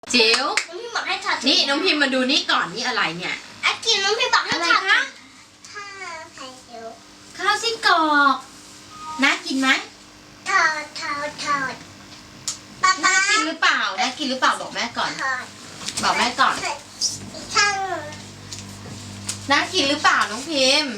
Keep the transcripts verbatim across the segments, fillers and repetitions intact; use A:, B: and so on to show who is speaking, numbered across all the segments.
A: จิ๋ว
B: น้องพิมบอกให้ถอด
A: นี่น้องพิมมาดูนี่ก่อนนี่อะไรเนี่ย
B: อากินน้องพิมบอกให้
A: อะไร
B: ถอด
A: คะ
B: ข้าวไข่เจียว
A: ข้าวไส้กรอกน่ากินไหม
B: ถอดถอดถอดป๊า
A: น่า
B: ป๊า
A: กินหรือเปล่าน่ากินหรือเปล่าบอกแม่ก่อน
B: ถอด
A: บอกแม่ก่อน
B: ช่าง
A: น่ากินหรือเปล่าน้องพิม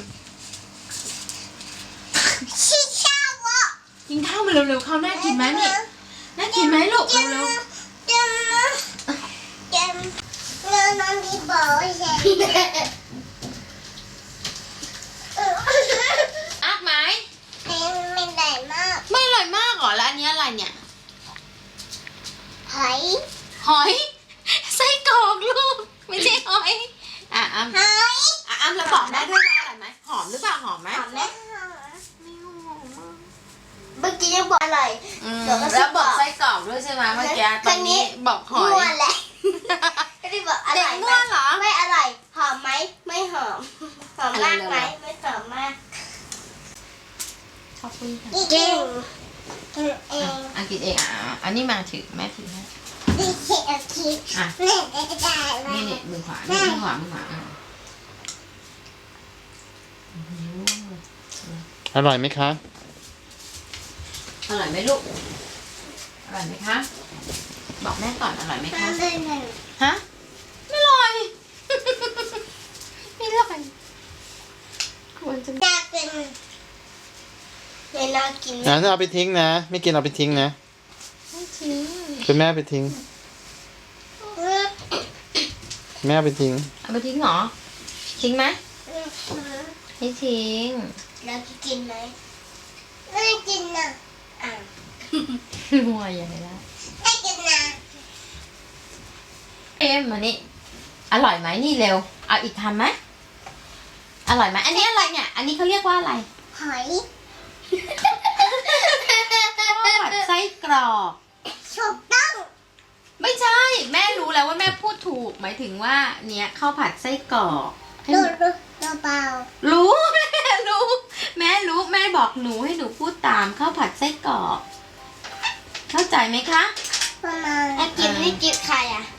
B: ชิชาวะ
A: กินข้าวมาเร็วๆข้าวน่ากินไหมนี่น่ากินไหมลูกเร็ว
B: เจมเจมเงินน้องพิมบอกใช่
A: ๆอักไหม
B: ไม่ได้มาก
A: ไม่อร่อยมากเหรอแล้วอันนี้อะไรเนี่ย
B: หอย
A: หอยไส้กรอกลูกไม่ใช่หอยอ่ะอ้ำ
B: หอย
A: อ่ะอ้ำแล้วบอกได้ด้วยว่าอร่อยไหมหอมหรือเปล่าหอมไหม
B: หอมไหมเมื่อกี้ยังบอกอร่อย
A: อืม
B: เดี๋ยวก็
A: แล้วบอก
B: ไส้
A: ไส้
B: ก
A: ก
B: ร
A: ร
B: อ
A: อก กด้วยใช่ไหมเมื่อกี้
B: ค
A: ต
B: รั้
A: อน
B: งนี้
A: นี้บอกหอย
B: มั่วแหละก็ได้บอกอ
A: เด็
B: ร่
A: ก
B: อยไหม
A: มั่วเหรอ
B: ไม่อร่อยหอมไหมไม่หอมหอมมากไหมไม่หอมมาก
A: ขอบคุณค่ะ
B: เก่งเอง
A: อันกินเองอ่ะอันนี้มาถือแม่ถือให้
B: ดิเชียคิด
A: อ่ะ
B: แม่ได้ไหม
A: นี่นี่มือขวานี่มือขวามือขวาอ่ะอื้อหือ
C: อร่อยไหมคะ
A: อร่อยไหมลูกอร่อยไหมคะบอกแม่ก่อนอร่อยไหมคะ
B: ทำได้หนึ่ง
A: ฮะไม่อร่อย ไม่อร่อยควรจะ
B: น่ากินไม่น่ากิน
C: นะถ้าเอาไปทิ้งนะ ไม่กินเอาไปทิ้งนะ
A: ไม่ทิ้ง
C: เป็นแม่เอาไปทิ้ง แม่เอาไปทิ้ง
A: เอาไปทิ้งเหรอทิ้งไหมไม่ทิ้ง
B: แล้วกินไหมไม่กินนะอ่ะ
A: มัวอย่างไรละ
B: ไม่กินนะ
A: เอ็มมานี่อร่อยไหมนี่เร็วเอาอีกคำไหมอร่อยไหมอันนี้อะไรเนี่ย อันนี้เขาเรียกว่าอะไร
B: หอย
A: ข้าวผัดไส้กรอก
B: ถูกต้อง
A: ไม่ใช่ แม่รู้แล้วว่าแม่พูดถูก หมายถึงว่าเนี้ยข้าวผัดไส้กรอกให้ห
B: ดู
A: นู
B: ดูเบา
A: รู้ แม่รู้ แม่รู้แม่บอกหนูให้หนูพูดตามข้าวผัดไส้กรอกเข้าใจไหมคะ
B: ประมาณอากินนี่กินใครอ่ะ